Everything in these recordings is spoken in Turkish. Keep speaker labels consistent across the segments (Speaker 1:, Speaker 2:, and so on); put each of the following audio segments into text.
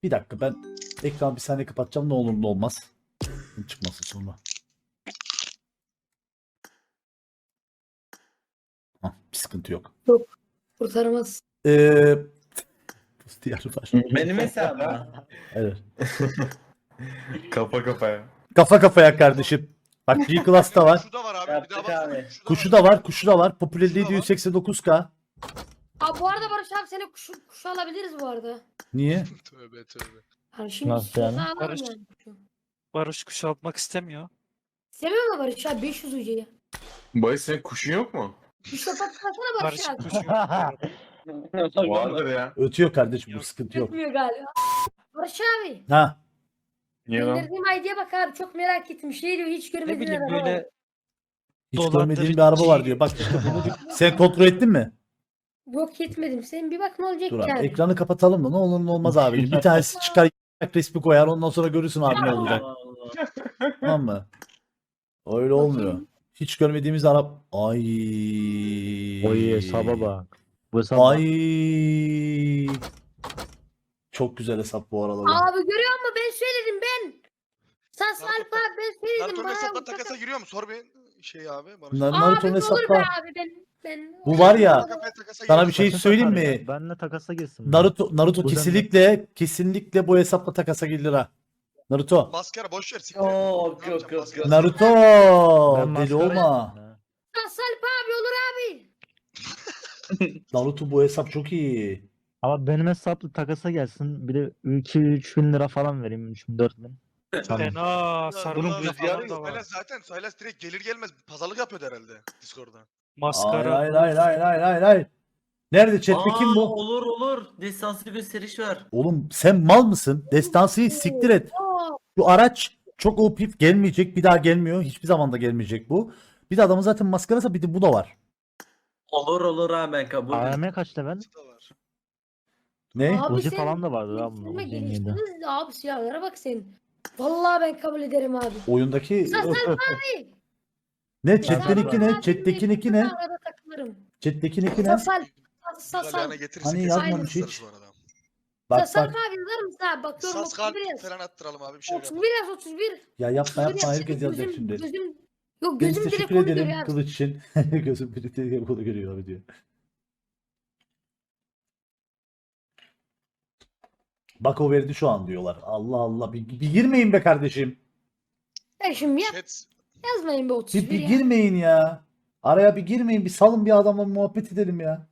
Speaker 1: Bir dakika ben ekranı bir saniye kapatacağım, ne olur ne olmaz. Çıkmasın sonra. Bir sıkıntı yok.
Speaker 2: Yok. Kurtaramaz.
Speaker 1: Diğer var.
Speaker 3: Benim hesabım.
Speaker 1: Evet.
Speaker 4: Kafa kafaya.
Speaker 1: Kafa kafaya kardeşim. Bak G-Class'ta var.
Speaker 5: Kuşu da var abi. Bir
Speaker 3: Yaptık
Speaker 5: daha
Speaker 3: abi.
Speaker 5: bak.
Speaker 1: Kuşu da var. Kuşu da var. Popülerliği
Speaker 5: Kuşu da var.
Speaker 1: 189K.
Speaker 2: Abi bu arada Barış abi seni kuşu alabiliriz bu arada.
Speaker 1: Niye?
Speaker 5: Tövbe tövbe.
Speaker 2: Yani şimdi
Speaker 6: Nasıl
Speaker 2: istiyorsan
Speaker 6: yani?
Speaker 2: alalım
Speaker 7: Barış.
Speaker 2: yani kuşu.
Speaker 7: Barış kuş almak istemiyor.
Speaker 2: İstemiyor mu Barış abi 500 ucuya?
Speaker 4: Barış senin kuşun yok mu?
Speaker 2: Kuş patlasana Barış
Speaker 7: Barış
Speaker 2: abi.
Speaker 7: kuş yok.
Speaker 4: Vardır ya.
Speaker 1: Ötüyor kardeşim, bu
Speaker 7: Yok.
Speaker 1: sıkıntı yok.
Speaker 2: Tutmuyor galiba. Barış abi.
Speaker 1: Ha.
Speaker 4: Niye lan?
Speaker 2: Gönderdiğim ID'ye bak abi çok merak ettim. Şey diyor hiç
Speaker 7: Ne
Speaker 2: görmediğin
Speaker 7: bileyim
Speaker 2: araba var.
Speaker 7: böyle
Speaker 1: Hiç
Speaker 7: Dolandırıcı.
Speaker 1: görmediğim bir araba var diyor. Bak sen kontrol ettin mi?
Speaker 2: Yok etmedim. Sen bir bak ne olacak
Speaker 1: Dur abi.
Speaker 2: yani.
Speaker 1: Ekranı kapatalım da ne olur ne olmaz abi. Bir tanesi çıkar resmi koyar, ondan sonra görürsün abi ne olacak. Tamam mı? Öyle olmuyor. Hiç görmediğimiz araba. Ay.
Speaker 6: Oy hesaba bak. Bu hesaba bak.
Speaker 1: Ay. Çok güzel hesap bu arada.
Speaker 2: Abi görüyor musun ben söyledim ben. Sas Alfa ben söyledim
Speaker 5: Naruto'nun
Speaker 2: bana.
Speaker 5: hesapla takasa giriyor mu? Sor bir şey abi. Barış.
Speaker 1: Naruto'nun
Speaker 2: Abi olur be
Speaker 1: hesapta.
Speaker 2: abi ben.
Speaker 1: Bu var ya.
Speaker 5: Kafaya takasa
Speaker 1: Sana
Speaker 5: giriyor.
Speaker 1: bir şey
Speaker 6: Takasa
Speaker 1: söyleyeyim
Speaker 6: takar
Speaker 1: mi?
Speaker 6: ya. Benle takasa girsin.
Speaker 1: Naruto
Speaker 6: Bu
Speaker 1: kesinlikle bu hesapla takasa gelir ha. Naruto.
Speaker 5: Maskara boş ver. siktir.
Speaker 3: Yok,
Speaker 5: Ne
Speaker 3: yok,
Speaker 5: yapacağım,
Speaker 3: yok,
Speaker 5: maskara?
Speaker 3: yok.
Speaker 1: Naruto.
Speaker 6: Ben
Speaker 1: Deli
Speaker 6: maskara-
Speaker 1: olma.
Speaker 6: Ha.
Speaker 2: Sas Alfa abi olur abi.
Speaker 1: Naruto bu hesap çok iyi.
Speaker 6: Ama benim hesaplı takasa gelsin. Bir de 2-3 bin lira falan vereyim. 3 bin 4 bin. Tamam.
Speaker 7: fena
Speaker 5: Bunun
Speaker 7: sarılınca
Speaker 5: rüzgarı
Speaker 7: falan da var.
Speaker 5: Saylas direkt gelir gelmez pazarlık yapıyordu herhalde Discord'da.
Speaker 7: Maskara.
Speaker 1: Hayır. Nerede chatte kim bu?
Speaker 3: Olur. Destansı gösteriş var.
Speaker 1: Oğlum sen mal mısın? Destansıyı siktir et.
Speaker 2: Oo,
Speaker 1: Bu araç çok OP gelmeyecek. Bir daha gelmiyor. Hiçbir zaman da gelmeyecek bu. Bir de adamın zaten maskarası, bir de bu da var.
Speaker 3: Olur ha ben kabul
Speaker 6: AM kaç level?
Speaker 5: Bu da var.
Speaker 1: Ne?
Speaker 2: Abi
Speaker 6: Uzi
Speaker 2: sen
Speaker 6: falan da vardı lan bunda.
Speaker 2: geliştirme
Speaker 6: Uzi yeniydi.
Speaker 2: geliştirdiniz abi silahlara bak sen. Vallahi ben kabul ederim abi.
Speaker 1: Oyundaki
Speaker 2: Sas Alfa abi.
Speaker 1: ne? Chat'teki
Speaker 2: Abi,
Speaker 1: ne?
Speaker 2: abi,
Speaker 1: Chat'teki
Speaker 2: ben
Speaker 1: ne?
Speaker 2: arada takılırım.
Speaker 1: Chat'teki ne?
Speaker 2: Sas Alfa. Sas
Speaker 5: Galyana
Speaker 2: Alfa.
Speaker 5: getirirse
Speaker 1: Hani
Speaker 5: kesin
Speaker 1: yazmamış
Speaker 5: yazarız
Speaker 1: hiç.
Speaker 5: bu arada.
Speaker 1: Bak
Speaker 2: Sas Alfa
Speaker 1: bak.
Speaker 2: abi yazar mısın abi? Bakıyorum
Speaker 5: Sas kalp
Speaker 2: 31 yaz.
Speaker 5: falan attıralım abi bir şey yapalım.
Speaker 2: 31 yaz 31.
Speaker 1: Ya yapma
Speaker 2: 31
Speaker 1: yapma,
Speaker 2: yaz.
Speaker 1: herkes yazacak
Speaker 2: Gözüm-
Speaker 1: şimdi.
Speaker 2: Gözüm, yok
Speaker 1: Ben
Speaker 2: gözüm direkt
Speaker 1: teşekkür
Speaker 2: onu
Speaker 1: ederim
Speaker 2: görüyor abi.
Speaker 1: kılıç için. Gözüm direkt onu görüyor abi diyor. Bak o verdi şu an diyorlar. Allah Allah, bir girmeyin be kardeşim.
Speaker 2: Ya şimdi
Speaker 5: Chat
Speaker 2: yazmayın be 31
Speaker 1: Bir
Speaker 2: ya.
Speaker 1: girmeyin ya. Araya bir girmeyin, bir salın bir adamla muhabbet edelim ya.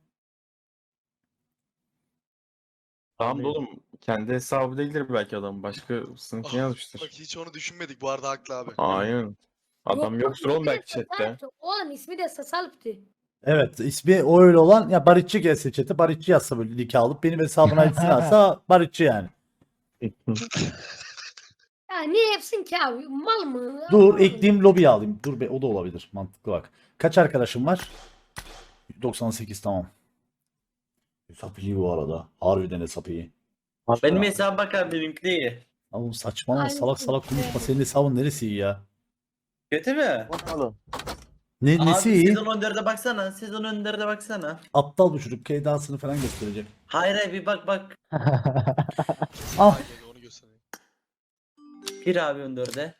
Speaker 4: Tamam da oğlum kendi hesabı değildir belki adam. Başka sınıfını yazmıştır.
Speaker 5: bak hiç onu düşünmedik bu arada haklı abi.
Speaker 4: Aynen. Adam
Speaker 2: Yok,
Speaker 4: yoktur
Speaker 2: yok,
Speaker 4: oğlum belki
Speaker 2: ismi de
Speaker 4: chatte.
Speaker 2: Sasalp'tı. Oğlum ismi de Sasalp'tı.
Speaker 1: Evet, ismi o öyle olan, ya Barışçı gelse chat'e, Barışçı yazsa böyle link alıp benim hesabına gitsin alsa Barışçı yani.
Speaker 2: Ya niye yapsın ki abi? Mal mı?
Speaker 1: Dur
Speaker 2: Anlamadım.
Speaker 1: ekleyeyim, lobiye alayım. Dur be, o da olabilir. Mantıklı bak. Kaç arkadaşım var? 98, tamam. Hesap iyi bu arada. Harbiden hesap iyi.
Speaker 3: Benim hesaba bak abi benimki değil.
Speaker 1: Oğlum saçmalama,
Speaker 2: Aynısı.
Speaker 1: salak salak konuşma. Senin hesabın neresi iyi ya?
Speaker 3: Kötü mü?
Speaker 6: Oğlum.
Speaker 1: Nesi
Speaker 3: Abi
Speaker 1: iyi?
Speaker 3: sezon 14'e baksana. Sezon 14'e baksana.
Speaker 1: Aptal bu çocuk. Keydasını falan gösterecek.
Speaker 3: Hayır bir bak.
Speaker 1: Ah.
Speaker 5: Aynen onu göstereyim.
Speaker 3: Bir abi 14'e.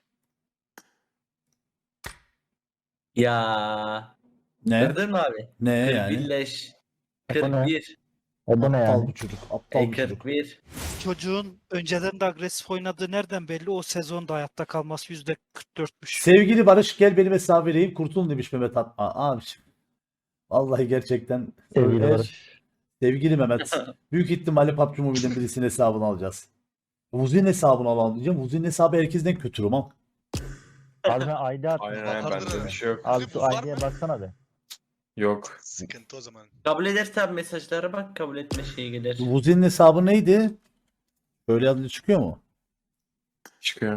Speaker 3: Ya.
Speaker 1: Ne?
Speaker 3: Gördün mü abi?
Speaker 1: Ne yani?
Speaker 3: 41'leş.
Speaker 6: O ne?
Speaker 3: 41.
Speaker 6: O da ne
Speaker 1: Aptal
Speaker 6: yani?
Speaker 1: bu çocuk. Aptal bu çocuk.
Speaker 3: 41.
Speaker 7: Çocuğun önceden de agresif oynadığı nereden belli? O sezonda hayatta kalması %44'müş.
Speaker 1: Sevgili Barış, gel benim hesabı vereyim. Kurtulun demiş Mehmet Atma. Abiciğim. Vallahi gerçekten.
Speaker 6: Sevgili
Speaker 1: Eğer-
Speaker 6: Barış.
Speaker 1: Sevgili Mehmet. Büyük ihtimalle PUBG Mobile'in birisinin hesabını alacağız. Vuzi'nin hesabını alalım diyeceğim. Vuzi'nin hesabı herkesten kötürüm ama.
Speaker 6: Abi ben ID attım.
Speaker 4: Aynen aynen bende bir şey yok.
Speaker 6: Abi
Speaker 5: Buz
Speaker 6: şu
Speaker 5: var
Speaker 6: ID'ye
Speaker 5: mı?
Speaker 6: baksana be.
Speaker 4: Yok.
Speaker 5: Sıkıntı o zaman.
Speaker 3: Kabul ederse abi mesajlara bak kabul etme şeyi gelir.
Speaker 1: Vuzi'nin hesabı neydi? Böyle adlı çıkıyor mu?
Speaker 4: Çıkıyor.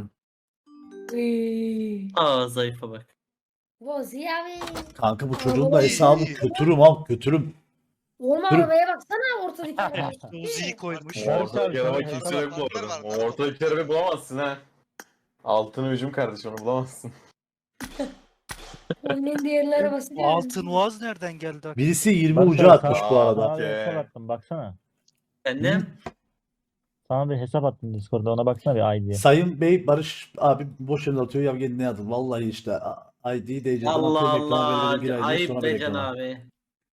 Speaker 2: Uy.
Speaker 3: Aa zayıfa bak.
Speaker 2: Bozi abi.
Speaker 1: Kanka bu çocuğun da hesabı kötürüm ama kötürüm.
Speaker 2: Olma
Speaker 1: Dur.
Speaker 2: arabaya baksana ortadaki.
Speaker 7: Uzi'yi koymuş.
Speaker 6: Evet.
Speaker 4: Ortadaki araba
Speaker 6: Evet.
Speaker 4: kimse yok bu
Speaker 5: Var,
Speaker 4: arada.
Speaker 5: var,
Speaker 4: O
Speaker 5: var.
Speaker 4: ortadaki arabayı bulamazsın ha. Altın hücum kardeş, onu bulamazsın.
Speaker 2: Oyunun diğerli arabası
Speaker 7: O
Speaker 2: değil.
Speaker 7: altın uaz nereden geldi?
Speaker 1: Birisi 20
Speaker 6: Bak
Speaker 1: ucu
Speaker 6: sen
Speaker 1: atmış
Speaker 6: sağ-
Speaker 1: bu arada.
Speaker 6: Sana bir
Speaker 4: Okey.
Speaker 6: hesap attım baksana.
Speaker 3: Annem.
Speaker 6: Sana bir hesap attım Discord'da, ona baksana bir ID'ye.
Speaker 1: Sayın Bey Barış abi boş yere atıyor ya kendine yazın. Vallahi işte ID DC'den
Speaker 3: Allah
Speaker 1: atıyorum ekrana
Speaker 3: Allah.
Speaker 1: belirli bir ID
Speaker 3: Ayıp
Speaker 1: sonra
Speaker 3: be
Speaker 1: bir
Speaker 3: Can
Speaker 1: ekrana.
Speaker 3: abi.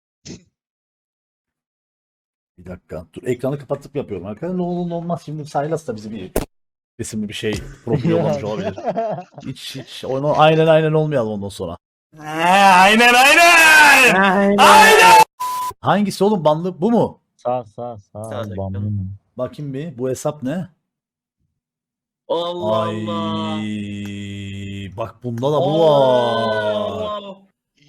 Speaker 1: Bir dakika. Dur ekranı kapatıp yapıyorum. Arkadaşlar ne olur ne olmaz şimdi Saylas da bizi bir resimli bir şey profil yollamış olabilir. Hiç onu aynen olmayalım ondan sonra.
Speaker 4: Aynen.
Speaker 1: Hangisi oğlum banlı bu mu?
Speaker 6: Sağ
Speaker 3: Sağdaki.
Speaker 6: bambu.
Speaker 1: Bakayım bir bu hesap ne?
Speaker 3: Allah
Speaker 1: Ay
Speaker 3: Allah.
Speaker 1: bak bunda da bu var.
Speaker 3: Allah.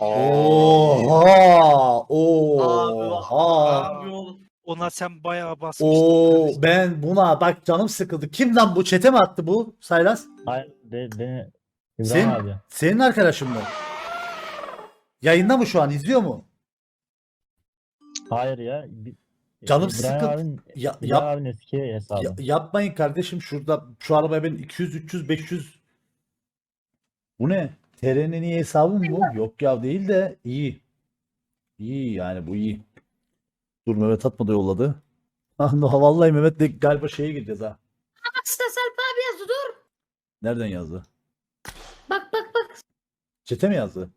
Speaker 1: Oha!
Speaker 3: Abi,
Speaker 1: Oha!
Speaker 3: abi oğlum.
Speaker 7: Ona sen bayağı basmıştın.
Speaker 1: Oo
Speaker 7: kardeşim.
Speaker 1: ben buna bak canım sıkıldı. Kim lan bu? Çete mi attı bu Saylas?
Speaker 6: Hayır beni İbrahim
Speaker 1: Sen,
Speaker 6: abi.
Speaker 1: senin arkadaşın mı? Yayında mı şu an? İzliyor mu?
Speaker 6: Hayır ya.
Speaker 1: Canım
Speaker 6: İbrahim
Speaker 1: sıkıldı.
Speaker 6: abinin,
Speaker 1: Ya,
Speaker 6: İbrahim abinin eski hesabı.
Speaker 1: yapmayın kardeşim şurada şu arabaya ben 200 300 500 bu ne? TR'nin iyi hesabı mı bu? Yok ya değil de iyi. İyi yani bu iyi. Dur Mehmet Atma da yolladı. Vallahi Mehmet de galiba şeye gireceğiz ha.
Speaker 2: Bak Stas Alp abi yazdı dur.
Speaker 1: Nereden yazdı?
Speaker 2: Bak.
Speaker 1: Çete mi yazdı?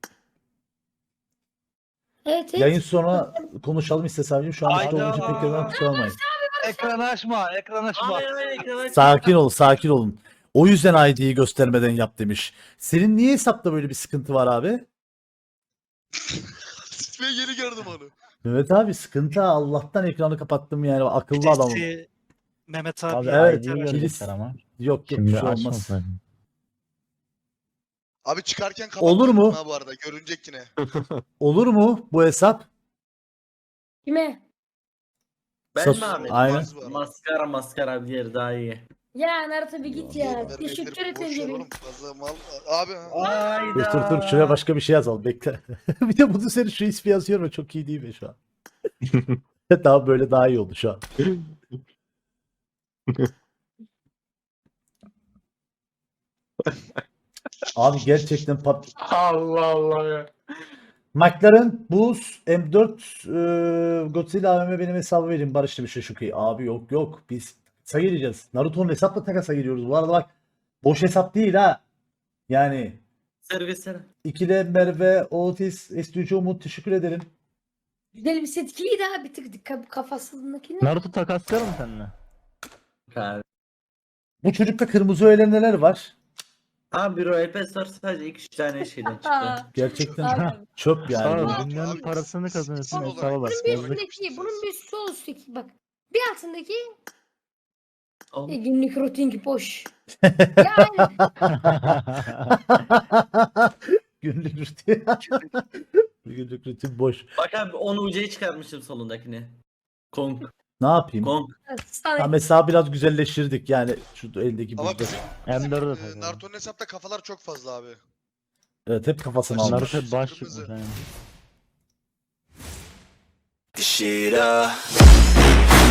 Speaker 2: Evet.
Speaker 1: Yayın sonra konuşalım istesem. Şu an
Speaker 7: Hayda.
Speaker 1: işte onun için pek yerden kusura bakmayın.
Speaker 7: Ekranı açma.
Speaker 3: Abi ekrana
Speaker 1: Sakin olun. O yüzden ID'yi göstermeden yap demiş. Senin niye hesapta böyle bir sıkıntı var abi?
Speaker 5: Ben yeni gördüm onu.
Speaker 1: Mehmet abi sıkıntı Allah'tan ekranı kapattım yani akıllı adamım.
Speaker 7: Birisi Mehmet abi.
Speaker 6: Abi
Speaker 1: Evet,
Speaker 6: ID'yi
Speaker 1: birisi-
Speaker 6: görecekler ama.
Speaker 1: Yok bir
Speaker 6: Şimdi
Speaker 1: şey olmaz.
Speaker 6: açmasın.
Speaker 5: Abi çıkarken
Speaker 1: Olur mu?
Speaker 5: Ha bu arada görünecek yine.
Speaker 1: Olur mu bu hesap?
Speaker 2: Kime?
Speaker 3: Ben
Speaker 1: Sos-
Speaker 3: mi abi?
Speaker 1: Aynen.
Speaker 3: Maskara bir yer daha iyi.
Speaker 2: Ya Naruto bir git ya.
Speaker 5: Vermekleri
Speaker 2: Teşekkür
Speaker 5: boş ver
Speaker 2: ederim.
Speaker 5: oğlum, fazla mal. Abi
Speaker 1: Dur şuraya başka bir şey yazalım bekle. Bir de bunu senin şu ismi yazıyorum çok iyi değil mi şu an? Daha böyle daha iyi oldu şu an. Abi gerçekten
Speaker 4: Allah Allah ya.
Speaker 1: McLaren Boost M4 Godzilla AVM benim hesabı verin Barış demiş Şuki. Abi yok biz takasa gireceğiz. Naruto'nun hesapla takasa giriyoruz. Bu arada bak boş hesap değil ha. Yani
Speaker 3: Servisler.
Speaker 1: ikili Merve, Otis, S3 Umut teşekkür ederim.
Speaker 2: Güzel bir setkiydi ha bir tık kafasındakini.
Speaker 6: Naruto takaslayalım mı seninle?
Speaker 3: Abi.
Speaker 1: Bu çocukta kırmızı öğeler neler var?
Speaker 3: Abi Royal Pass var sadece 2-3 tane şeyden çıktı.
Speaker 1: Gerçekten
Speaker 2: Abi.
Speaker 1: çöp yani.
Speaker 6: Sağ ol,
Speaker 5: Abi,
Speaker 6: dünyanın
Speaker 5: abi,
Speaker 6: parasını kazanırsın
Speaker 5: spor
Speaker 6: hesaba
Speaker 5: olarak
Speaker 6: bak.
Speaker 2: Bunun bir
Speaker 6: Yazık.
Speaker 2: üstündeki, bunun bir sol üstteki bak. Bir altındaki
Speaker 3: Oğlum,
Speaker 2: günlük rutin boş. Yani
Speaker 1: Günlük rutin. Günlük rutin boş.
Speaker 3: Bak abi 10 UC'yi çıkarmışım solundakini. Kong.
Speaker 1: Ne yapayım?
Speaker 3: Kong.
Speaker 1: Ha,
Speaker 2: sana
Speaker 1: mesela biraz güzelleştirdik yani şu eldeki
Speaker 5: ama
Speaker 1: buzda.
Speaker 5: bizim
Speaker 6: M4'ü de
Speaker 5: e,
Speaker 6: takalım.
Speaker 5: Naruto'nun hesapta kafalar çok fazla abi.
Speaker 1: Evet hep kafasını almış.
Speaker 6: Naruto baş
Speaker 5: Kırmızı.
Speaker 6: çıkmış. Yani.
Speaker 8: This shit up.